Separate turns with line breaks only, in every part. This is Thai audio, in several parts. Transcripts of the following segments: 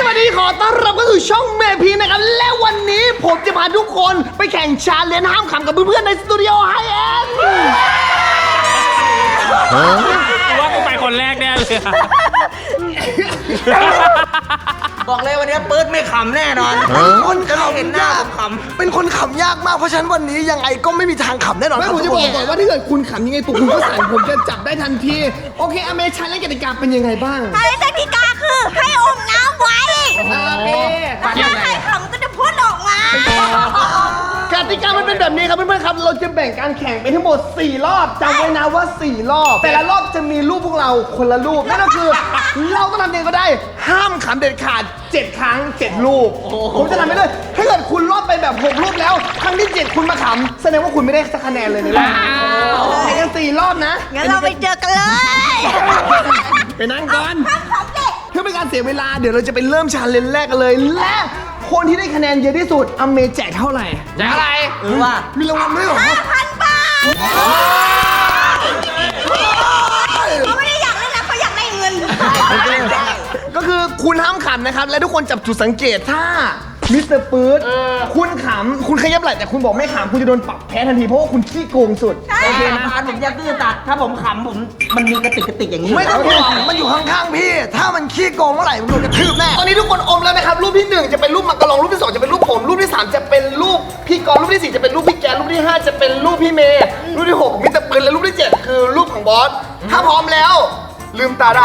วัสดีขอต้อนรับเข้าสู่ช่องเมพีนะครับและวันนี้ผมจะพาทุกคนไปแข่งชาเลนจ์ห้ามขำกับเพื่อนๆในสตูดิโอไฮเอ็น
ว่ากูไปคนแรกแน่เลย
บอกเลยวันนี้ปื๊ดไม่ขำแน่นอนคนจะเราเห็นหน้าผมขำ
เป็นคนขำยากมากเพราะฉะนั้นวันนี้ยังไงก็ไม่มีทางขำแน่นอนไม่ผมจะบอกก่อนว่าถ้าเกิดคุณขำยังไงปุ๊บคุณก็สั่นผมจะจับได้ทันทีโอเคอเมชาเลนจ์กติกาเป็นยังไงบ้าง
กติกาคือให้อมน้ำไว้ถ้าใครขำก็จะพ่นออกมาก
ติกามันเป็นแบบนี้ครับเพื่อนๆครับเราจะแบ่งการแข่งเป็นทั้งหมด4รอบจำไว้นะว่า4รอบแต่ละรอบจะมีรูปพวกเราคนละรูปนั่นก็คือเราต้องทำยังไงก็ได้ห้ามขำเด็ดขาด7ครั้ง7รูปผมจะทำไปเลยถ้าเกิดคุณรอบไปแบบ6รูปแล้วครั้งที่7คุณมาขำแสดงว่าคุณไม่ได้สักคะแนนเลยในรอบแข่งกัน4รอบนะ
งั้นเราไปเจอกันเลย
ไปนั่งก่อนเพื่อเป็นการเสียเวลาเดี๋ยวเราจะไปเริ่มชาเลนจ์แรกกันเลยและคนที่ได้คะแนนเยอะที่สุดอเมแจกเท่าไหร่
แจกอะไร
ว่า
มีรางวัลด้วยเหรอ
5,000 บาทเขาไม่ได้อยากเล่นนะเขาอยากได้เงิน
ก็คือคุณห้ามขำนะครับและทุกคนจับจุดสังเกตถ้ามิสเตอร์ปื๊ดคุณขำคุณขยับไหล่แต่คุณบอกไม่ขำคุณจะโดนปรับแพ้ทันทีเพราะว่าคุณขี้โกงสุด
โอเคนะผมอยากตื้อตัดถ้าผมขำผมมันมีกระติกอย่างนี้
ไม่ต้องห่วงมันอยู่ข้างๆพี่ถ้ามันขี้โกงเมื่อไหร่มันโดนกระทืบแน่ตอนนี้ทุกคนอมแล้วนะครับรูปที่1จะเป็นรูปมังกรรูปที่2จะเป็นรูปผมรูปที่3จะเป็นรูปพี่กรณ์รูปที่4จะเป็นรูปพี่แกรูปที่5จะเป็นรูปพี่เมย์รูปที่6มิสเตอร์ปื๊ดและรูปที่7คือรูปของบอสถ้าพร้อมแล้วลืมตาได้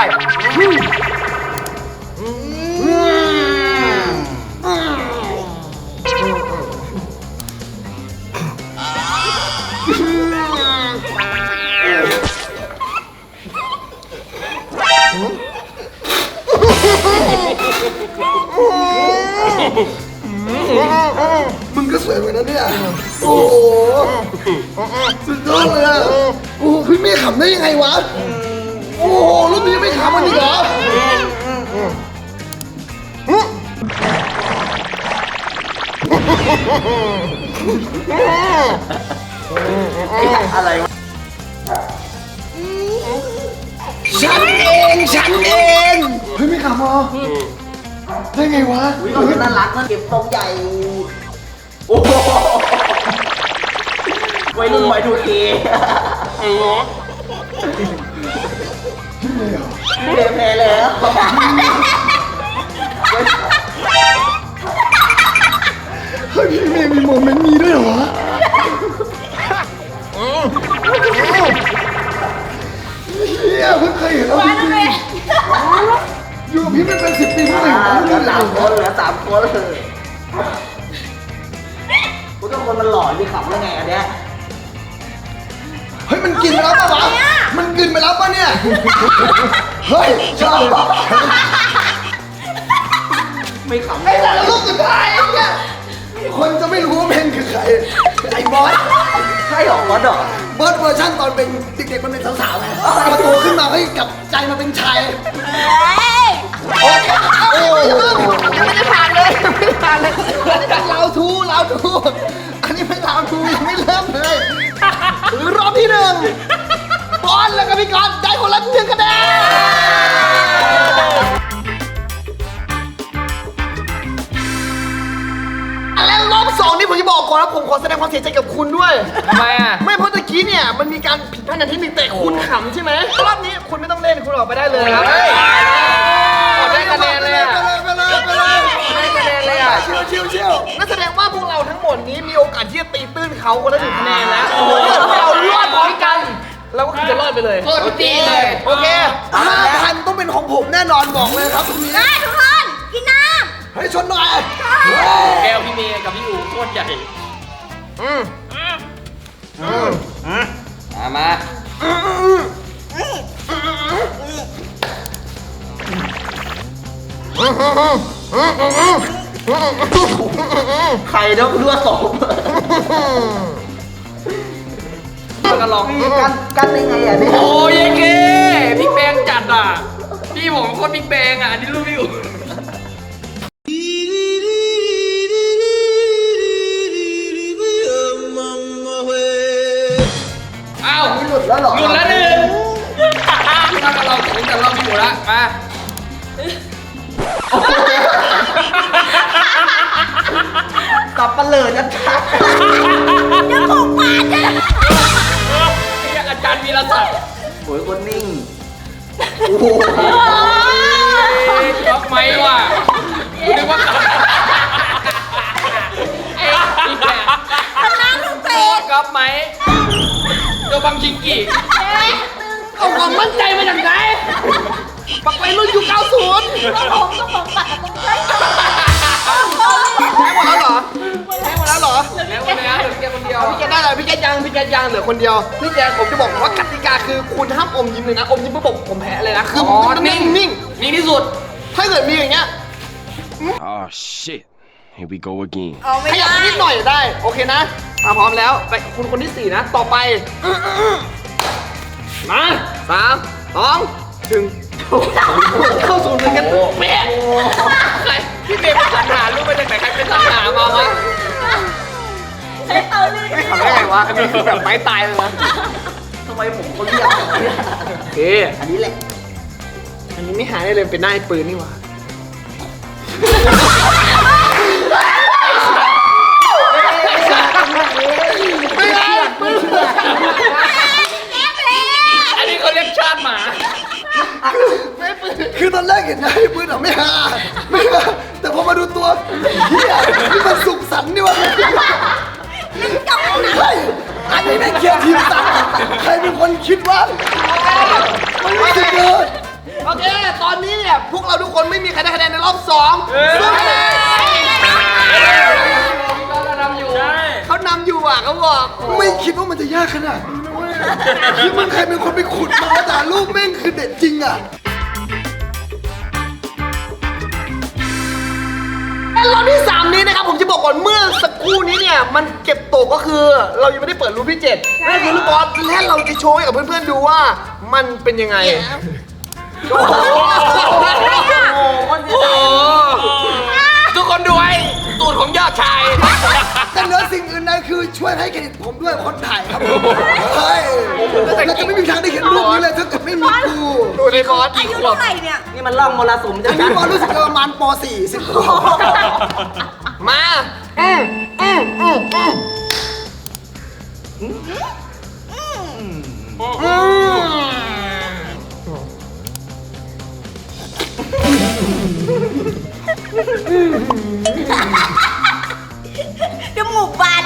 มึงก็สวยเหมือนนั้นเนี่ยโอ้โหสุดยอดเลยอ่ะโอ้โหพี่เมย์ขำได้ยังไงวะโอ้โหรูปนี้ไม่ขำมันอีกเหรอ
อะไรวะ
ฉันเองเฮ้ยไม่ขำเหรอได้ไงวะ
น่ารักนะเก็บทรงใหญ่โอ้โหวัยรุ่นวัยดูเอแพ้แล้ว
เฮ้ยพี่เมย์มีโมเมนต์นี้ด้วยเหรอเฮียเพิ่งเคยเห็นแล้วจริงๆอยู่กับพี่มันเป็น10 ปีเท่าไหร่
เหลือ3 คนเลยคุณทุกคนมันหล่อมีขำได้ไงอันเนี้ย
เฮ้ยมันกินไปแล้วปะวะมันกินไปแล้วปะเนี่ยเฮ้ยชอบ
ไม่ขำ
ไอ้แต่ละรูปสุดท้ายเนี่ยคนจะไม่รู้ว่าเพนคือใครไอ้บอส
ใช่หรอบอส
เวอร์ชันตอนเป็นเด็กๆมันเป็นสาวๆไงพอโตขึ้นมาเฮ้ยกลับใจมาเป็นชายโอ้ยยังไม่ได้ผ่านเลยเราทูอันนี้เป็นเราทูยังไม่เริ่มเลยรอบที่1บอลแล้วก็พี่กรณ์ได้คนละ1 คะแนนและรอบ2นี่ผมจะบอกก่อนนะผมขอแสดงความเสียใจกับคุณด้วย
ทำไมอ่ะ
ไม่เพราะตะกี้เนี่ยมันมีการผิดพลาดในที่หนึ่งแต่คุณขำใช่ไหมรอบนี้คุณไม่ต้องเล่นคุณออกไปได้เลยครับ
ได้คะแนนเลยอ่ะได้คะแนนเลยอ่ะ
ชิวนั่นแสดงว่าพวกเราทั้งหมดนี้มีโอกาสที่จะตีตื้นเขาคนละ1 คะแนนแล้วเรารอดพร้อมกันเราก็คือจะรอดไปเลย
โคตรดีเลย
โอเค5,000ต้องเป็นของผมแน่นอนบอกเลยครับทุก
ได้ทุกคนกินน้
ำให้ชนหน่อย
แก้วพี่เมย์กับพี่อู๋โคตรใหญ่มา
ใครต้องเลือดสม
ก็ลอง
กันได้ไงอ่ะเนี่ย
โอ้ยเก้พี่แบงจัดอ่ะพี่ผมโคตรพี่แบงอ่ะอันนี้รูปพี่อู๋อ้าว
หลุดแล้วหรอ
หลุดแล้ว1ถ้าเราถึงจะรอบพี่อู๋ละมา
ลิดชัด
จะบุกป่าจะ
อาจารย์วีรศักดิ์
ๆโอ้ยคนนิ่ง
ก๊อฟไหมวะกูนึกว่า
น้ำลูกเป็ด
ก๊อฟไหมตัวบังชิงกี้
เอาความมั่นใจมาจากไหนปักไปรุ่นยุค90
ผมก็บอกปากผมใช่ไหม
ใช้หมดแล้วเหรอใช้หมดแล้วเหรอ
แล้ววันนี้เหลือแค่คนเดียว
พี่แกได้เลยพี่แกยังเหลือคนเดียวพี่แกผมจะบอกว่ากติกาคือคุณห้ามอมยิ้มเลยนะอมยิ้มปุ๊บผมแพ้เลยนะคือผมต้องนิ่ง
นิ่งที่สุด
ถ้าเกิดมีอย่างเงี้ย
Oh shit. Here we go again.
เอาไม่
ขยับ
ได้
นิดหน่อยได้โอเคนะพร้อมแล้วไปคุณคนที่ 4นะต่อไปมา3 2 1เข้าสู่หนึ่งกันเป๊ะ
ใครพี่เมย์เป็นสัญหาลูกมาจากไหนใครเป็นสัญหามาวะ
ใช้เตาลื่น
ไม่ทำได้ไงวะอันนี้คือแบบไม้ตายเลยนะ
ทำไมผมเขาเรียกแบบนี้
โอเค
อันนี้แหละ
อันนี้ไม่หายได้เลยเป็นหน้าไอ้ปืนนี่หว่าไม่ได้ปืน
อันนี้เขาเรียกชาติหมา
คือตอนแรกเห็นหน้าไอ้ปืนอะไม่หาแต่พอมาดูตัวเฮียนี่มันสุขสันต์นี่วะใช่อันนี้ไม่เกี่ยวทีมสัตว์ใครเป็นคนคิดว่ามันไม่ใช่เกินโอเค ตอนนี้เนี่ยพวกเราทุกคนไม่มีใครได้คะแนนในรอบ2สู้คะแนนเขานำอยู่อ่ะเขาบอกไม่คิดว่ามันจะยากขนาดนี้นะเว้ยคือมันใครเป็นคนไปขุดมาแต่รูปแม่งคือเด็ดจริงอ่ะรอบที่ 3 นี้นะครับผมจะบอกก่อนเมื่อสักครู่นี้เนี่ยมันเก็บตกก็คือเรายังไม่ได้เปิดรูปที่7นั่นคือรูปบอสและเราจะโชว์ให้กับเพื่อนๆดูว่ามันเป็นยังไงโอ้โห
โอ้ทุกคนดูไอ้ตูดของยอดชาย
แต่เหนือสิ่งอื่นใดคือช่วยให้เครดิตผมด้วยคนถ่ายครับผมเฮ้ยเราจะไม่มีทางได้เห็นรูปนี้เลยถ้าเกิดไม่มีกูดูในบอส
อายุเท่าไหร่เนี่ย
นี่มันล่องมรสุมจะ
อันนี้บอสรู้สึกประมาณป .4 10 ขวบมา
จมูกบาน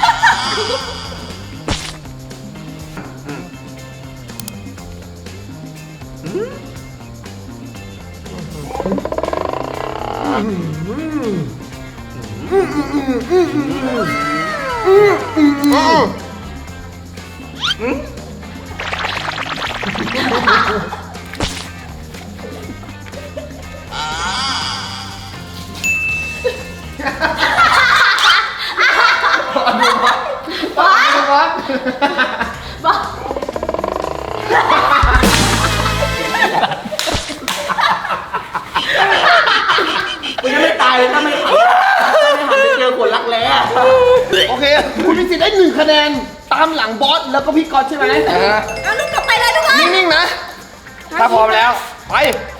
กูยังไม่ตายเลยถ้าไม่หันไปเจอคนรักแร้
โอเค คุณมีสิทธิ์ได้1คะแนนตามหลังบอสแล้วก็พี่ก๊อตใช่ไหม
เอาลูกกลับไปเลยทุกคน
นิ่งๆนะ ถ้าพร้อมแล้ว ไป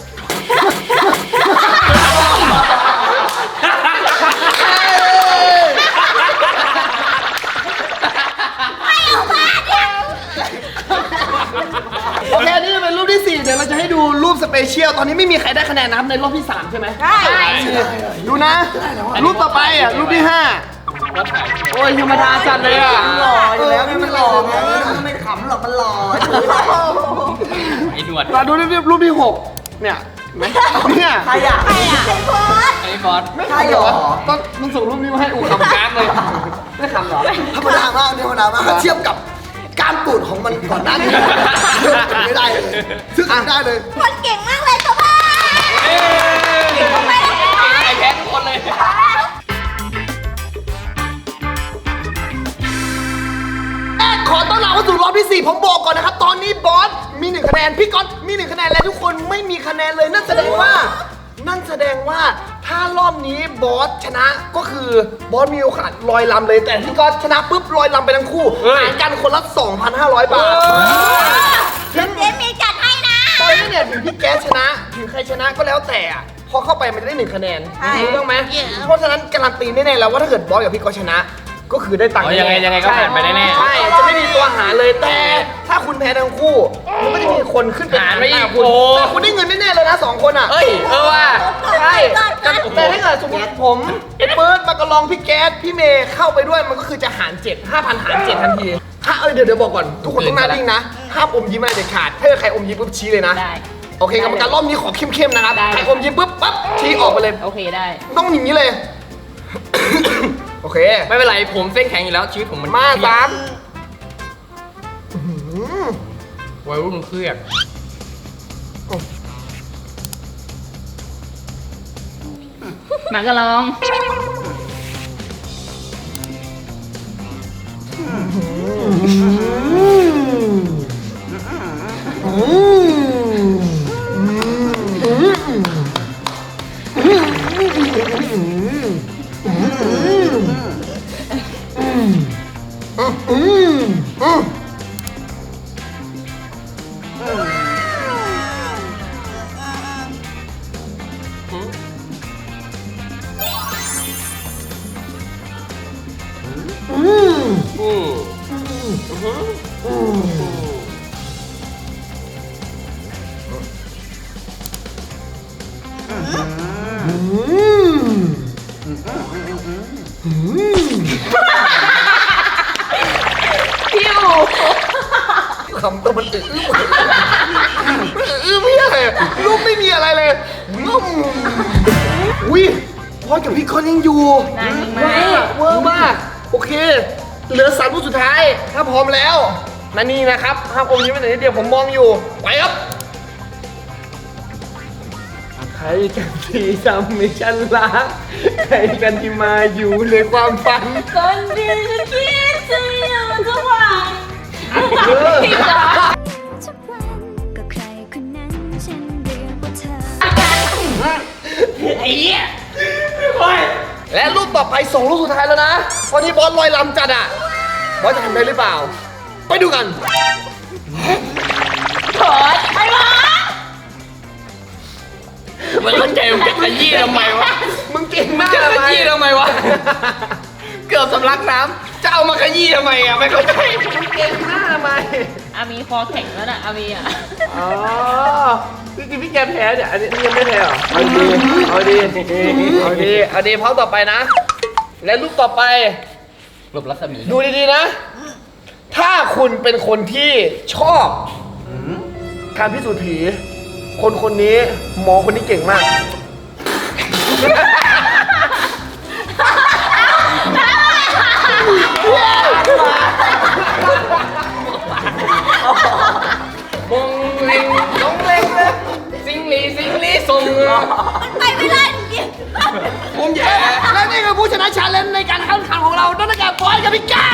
โอเค นี่เป็นรูปที่ 4 เดี๋ยวเราจะให้ดูรูปสเปเชียล ตอนนี้ไม่มีใครได้คะแนนนะครับในรอบที่ 3 ใช่ไหม
ใช่
ดูนะ รูปต่อไปอ่ะ รูปที่ 5 โอ้ยธรรมดาจัดเลยอ่ะ
หล่ออยู่แล้วนี่มันหล่อไงไม่ขำหรอกมันหล่อ
ไอ้หนวด
มาดูรูปที่ 6 เนี่ยเห็นไหมเนี่ย
ใครอ่ะ
ใครอ่ะไอ้โพส
ไอ้บอส
ใช่เหรอ
ต้นมึงส่งรูปนี้มาให้อู
ขำกลางเลย
ไม่ขำเหรอ ธรรมดามากธรรมดามากถ้าเทียบกับการตูดของมันก่อนหน้านี้เทียบกันไม่ได้เลยซึ่งไม่ได้เลย
คนเก่งมากเลยตัวพ่อ
ไอ้แพ้ทุกคนเลย
ขอต้อนรับเข้าสู่รอบที่ 4 ผมบอกก่อนนะครับ ตอนนี้บอสมี 1 คะแนน พี่ก๊อตมี 1 คะแนน และทุกคนไม่มีคะแนนเลย นั่นแสดงว่าถ้ารอบนี้บอสชนะก็คือบอสมีโอกาสลอยลำเลย แต่พี่ก๊อตชนะปุ๊บลอยลำไปทั้งคู่
เฮ้ย
หารกันคนละ 2,500 บาท
เดี๋ยวมีจัดให้นะ
ตอนนี้เนี่ยถึงพี่แก๊สชนะถึงใครชนะก็แล้วแต่อะพอเข้าไปมันจะได้1คะแนน
ใช่
ถูกต้องไหมเพราะฉะนั้นการันตีแน่ๆแล้วว่าถ้าเกิดบอสกับพี่ก็ชนะ ก็คือได้ตังค์
อ๋อยังไง
แน่ๆ
ยังไงก็ผ่านไปแน่ๆ
ใช่จะไม่มีตัวหารเลยแต่ถ้าคุณแพ้ทั้งคู่มันก็จะมีคนขึ้นไป
หารไปอีก
คุณ
โอ้
แต่คุณได้เงินแน่ๆเลยนะ2คนอ่ะ
เอ้ยว่า
ใช่แต่ถ้าเกิดสมมติผมไอ้เปิร์ดมากระลองพี่แก๊สพี่เมย์เข้าไปด้วยมันก็คือจะหาร7 5,000หาร7ทันทีเดี๋ยวบอกก่อนทุกคนต้องหน้านิ่งนะห้ามอมยิ้มอะไรเด็ดขาดถ้าเกิดใครอมยิ้มปุ๊บชี้เลยนะ
ได้
โอเคกรรมการรอบนี้ขอเข้มๆนะครับ
ได้
ใครอมยิ้มปุ๊บปั๊บชี้ออกไปเลย
โอเคได้
ต้องอย่างนี้เลย โอเค
ไม่เป็นไรผมเส้นแข็งอยู่แล้วชีวิตผมมัน
มา
เครียด
3
วัยรุ่นเครียด
มากระลอง
คำตัวมันไม่ได้รูปไม่มีอะไรเลยอุ้ยพอกับพี่คอนยังอยู่
นานจริงไหม
เวอร์มาก โอเค เหลือ3รูปสุดท้าย ถ้าพร้อมแล้วนั่นนี่นะครับห้ามอมยิ้มไปไหนนิดเดียวผมมองอยู่ ไปครับ ใครกันที่ทำให้ฉันรัก ใครกันที่มาอยู่ในความฝัน
คนดีฉันคิดจะอยู่ทุกวัน
ทุกวัน
ก็ใครคนนั้นฉันเรียกว่าเธอ
ไอ้เหี้ย
และรูปต่อไป2รูปสุดท้ายแล้วนะตอนนี้บอสลอยลำจัดอ่ะ บอสจะทำได้หรือเปล่า ไปดูกัน
ขอไอ้บอส
มันเข้าใจมึงจะขยี้ทำไมวะ
มึงเก่งมาก
จะข
เลย
ยี้ทำไมวะ เกือบสำลักน้ำจะเอามาขยี้ทำไมอ่ะไม่เข้าใจ
มึงเก่งมากทำไม
อามีคอแข็งแล้วน่ะอามีอ่ะ
อ๋อจริงๆพี่แกแพ้เนี่ย อันนี้ยังไม่แพ้เหรอ เอาดี เอาดีพร้อมต่อไปนะ และรูปต่อไป
หลบรัศมี
ดูดีๆนะ ถ้าคุณเป็นคนที่ชอบการพิสูจน์ผี คนคนนี้หมอคนนี้เก่งมาก
มงลิงน้องเล็งเลยสิงลีส่ง
ไปไม่ได้จริง
ผมแย่
และนี่คือผู้ชนะชาเลนจ์ในการแข่งขันของเรานั่นก็คือบอยกับพี่ก้า